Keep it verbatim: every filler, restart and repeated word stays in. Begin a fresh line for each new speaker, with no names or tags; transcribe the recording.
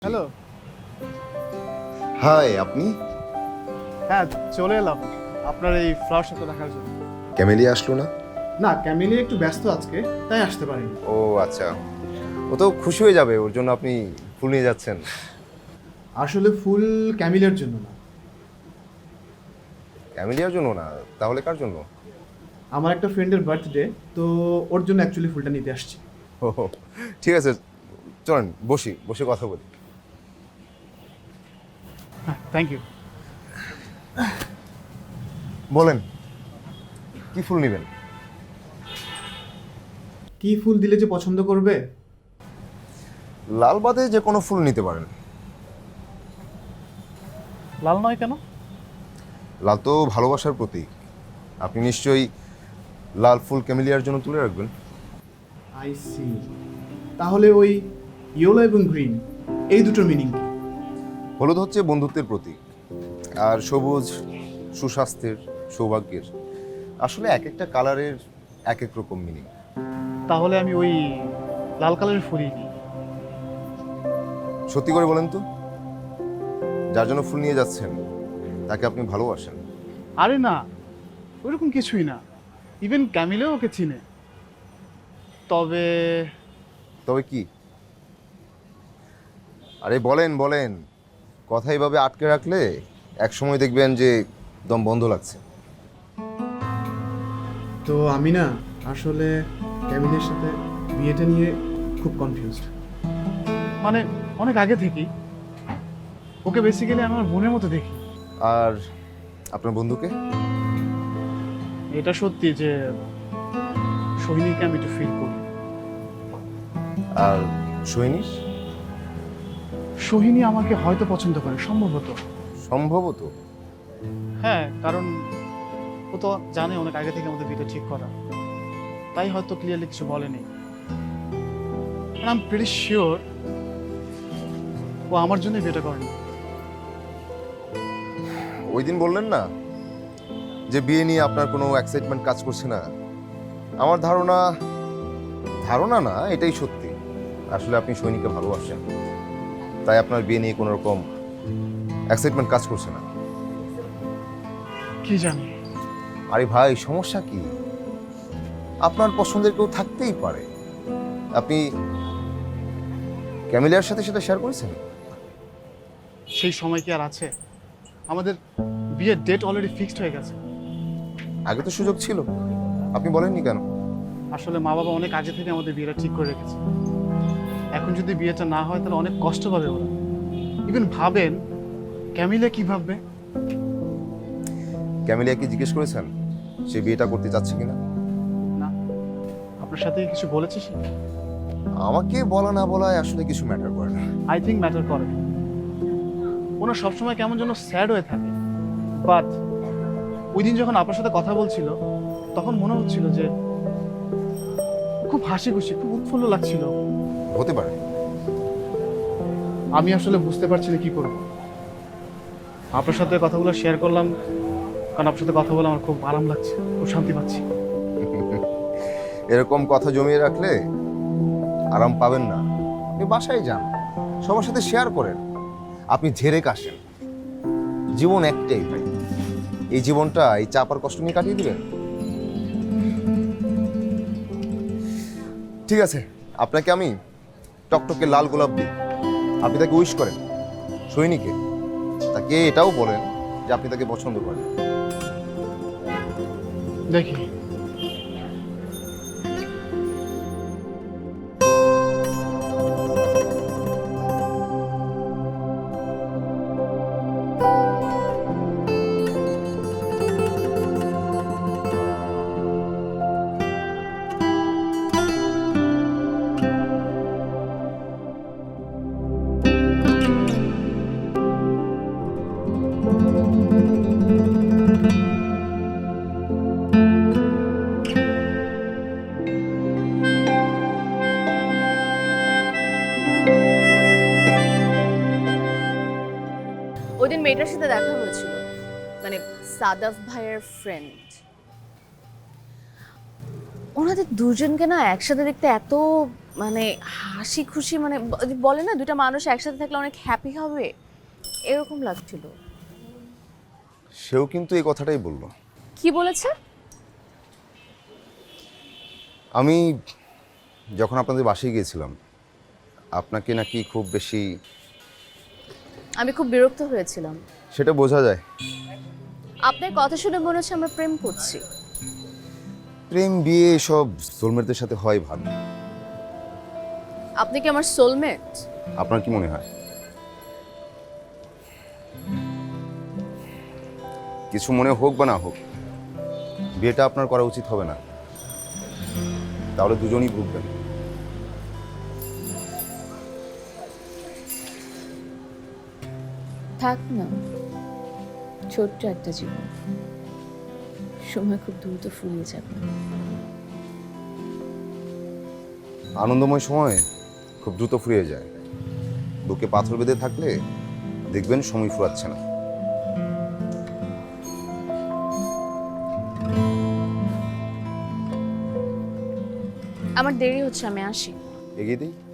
জি।
Hello.
High, আপনি?
হ্যাঁ, চলে এলাম আপনার এই ফ্লাওয়ার শোটা দেখার জন্য।
ক্যামেলিয়া আসলো না?
না, ক্যামিলি একটু ব্যস্ত আজকে, তাই আসতে পারিনি।
ও আচ্ছা। ও তো খুশি হয়ে যাবে, ওর জন্য আপনি ফুল নিয়ে যাচ্ছেন।
আসলে ফুল ক্যামিলের জন্য না,
ক্যামেলিয়ার জন্য না, তাহলে কার জন্য?
আমার একটা ফ্রেন্ডের বার্থডে, তো ওর জন্য অ্যাকচুয়ালি ফুলটা নিতে আসছি।
ও ঠিক আছে, চলেন বসি, বসে কথা বলি।
হ্যাঁ, থ্যাংক ইউ।
বলেন, কি ফুল নেবেন?
কি ফুল দিলে যে পছন্দ করবে?
লাল বাদে যে কোনো ফুল নিতে পারেন।
লাল নয় কেন?
লাল তো ভালোবাসার প্রতীক। আপনি নিশ্চয়ই লাল ফুল ক্যামেলিয়ার জন্য তুলে রাখবেন।
I see. তাহলে ওই ইয়েলো এবং গ্রিন, এই দুটোর মিনিং কি?
হলুদ হচ্ছে বন্ধুত্বের প্রতীক, আর সবুজ সুস্বাস্থ্যের, সৌভাগ্যের। আসলে এক একটা কালারের এক এক রকম মিনিং।
তাহলে আমি ওই লাল কালারের ফুলই নিই।
সত্যি করে বলেন তো, যার জন্য ফুল নিয়ে যাচ্ছেন তাকে আপনি ভালোবাসেন?
আরে না, ওইরকম কিছুই না। ইভেন ক্যামিলেও ওকে চিনে। তবে
তবে কি? আরে বলেন বলেন, কথা এইভাবে আটকে রাখলে এক সময় দেখবেন যে দম বন্ধ লাগছে।
তো আমি না আসলে ক্যামিলের সাথে বিয়েটা নিয়ে খুব কনফিউজড। মানে অনেক আগে থেকেই ওকে বেসিক্যালি আমার বোনের মতো দেখি।
আর আপনার বন্ধুকে?
এটা সত্যি যে সোহিনীকে আমি একটু ফিল করি।
আর সৈনিস?
সোহিনী আমাকে হয়তো পছন্দ করে, সম্ভবত।
সম্ভবত।
হ্যাঁ, কারণ ও তো জানে অনেক আগে থেকে আমাদের বিয়েটা ঠিক করা, তাই হয়তো ক্লিয়ারলি কিছু বলেনি। আই এম প্রিটি শিওর ও আমার জন্য বিয়েটা করেনি।
ওই দিন বললেন না যে বিয়ে নিয়ে আপনার কোনো এক্সাইটমেন্ট কাজ করছে না? আমার ধারণা, ধারণা না, এটাই সত্যি। আসলে আপনি সৈনিককে ভালোবাসেন, তাই আপনার বিয়ে নিয়ে কোনো রকম এক্সাইটমেন্ট কাজ করছে না।
কি জানি।
আরে ভাই, সমস্যা কি? আপনার পছন্দের কেউ থাকতেই পারে। আপনি ক্যামিলিয়ার সাথে সেটা শেয়ার করেছেন?
সেই সময় কি আর আছে? আমাদের বিয়ের ডেট অলরেডি ফিক্সড হয়ে গেছে।
আগে তো সুযোগ ছিল, আপনি বলেননি কেন?
আসলে মা বাবা অনেক আগে থেকে আমাদের বিয়েটা ঠিক করে রেখেছে। এখন যদি বিয়েটা না হয় তাহলে অনেক কষ্ট পাবে ওরা। ইভেন ভাবেন ক্যামিলা কি ভাববে।
ক্যামিলিয়াকে জিজ্ঞেস করেছেন সে বিয়েটা করতে চাচ্ছে কিনা?
না, আপনার সাথে কি কিছু বলেছে সে?
আমাকে বলা না বলায় আসলে কিছু ম্যাটার করে না।
আই থিঙ্ক ম্যাটার করে। ওনার সবসময় কেমন যেন স্যাড হয়ে থাকে, বাট ওই দিন যখন আপনার সাথে কথা বলছিল তখন মনে হচ্ছিল যে খুব হাসি খুশি, খুব উৎফুল্ল লাগছিল।
হতে পারে।
আমি আসলে বুঝতে পারছি না কি করব। আপনার সাথে কথাগুলো শেয়ার করলাম কারণ আপনার সাথে কথা বলে আমার খুব আরাম লাগছে, খুব শান্তি পাচ্ছি।
এরকম কথা জমিয়ে রাখলে আরাম পাবেন না। আপনি বাসায় যান, সবার সাথে শেয়ার করেন। আপনি ঝেড়ে কাশেন। জীবন একটাই ভাই, এই জীবনটা এই চাপার কষ্ট নিয়ে কাটিয়ে দিবেন? ঠিক আছে, আপনাকে আমি টকটকে লাল গোলাপ দিই, আপনি তাকে উইশ করেন। সৈনিকে তাকে এটাও বলেন যে আপনি তাকে পছন্দ করেন।
দেখি।
ওই দিন মেয়েটার সাথে দেখা হয়েছিল, মানে সাদাফ ভাইয়ের ফ্রেন্ড। ওনাদের দুজনকে না একসাথে দেখতে এত মানে হাসি খুশি, মানে ব- বলে না দুটা মানুষ একসাথে থাকলে অনেক হ্যাপি হবে, এরকম লাগছিল।
সেও কিন্তু এই কথাটাই বলল।
কি বলেছে?
আমি যখন আপনাদের বাসায় গিয়েছিলাম, আপনাকে নাকি খুব বেশি,
আমি খুব বিরক্ত হয়েছিলাম।
সেটা বোঝা যায়।
আপনার কথা শুনে মনে হচ্ছে আমরা প্রেম করছি।
প্রেম বিয়ে সব সোলমেটদের সাথে হয় ভালো।
আপনি কি আমার সোলমেট?
আপনার কি মনে হয়? কিছু মনে হোক বা না হোক, বিয়েটা আপনার করা উচিত হবে না, তাহলে দুজনই ভুগবেন।
থাক না, ছোট্ট একটা জীবন, সময় খুব দ্রুত ফুরিয়ে যাবে।
আনন্দময় সময় খুব দ্রুত ফুরিয়ে যায়। বুকে পাথর বেঁধে থাকলে দেখবেন সময় ফুরাচ্ছে না।
আমার দেরি হচ্ছে, আমি আসি।
এগিয়ে দিই।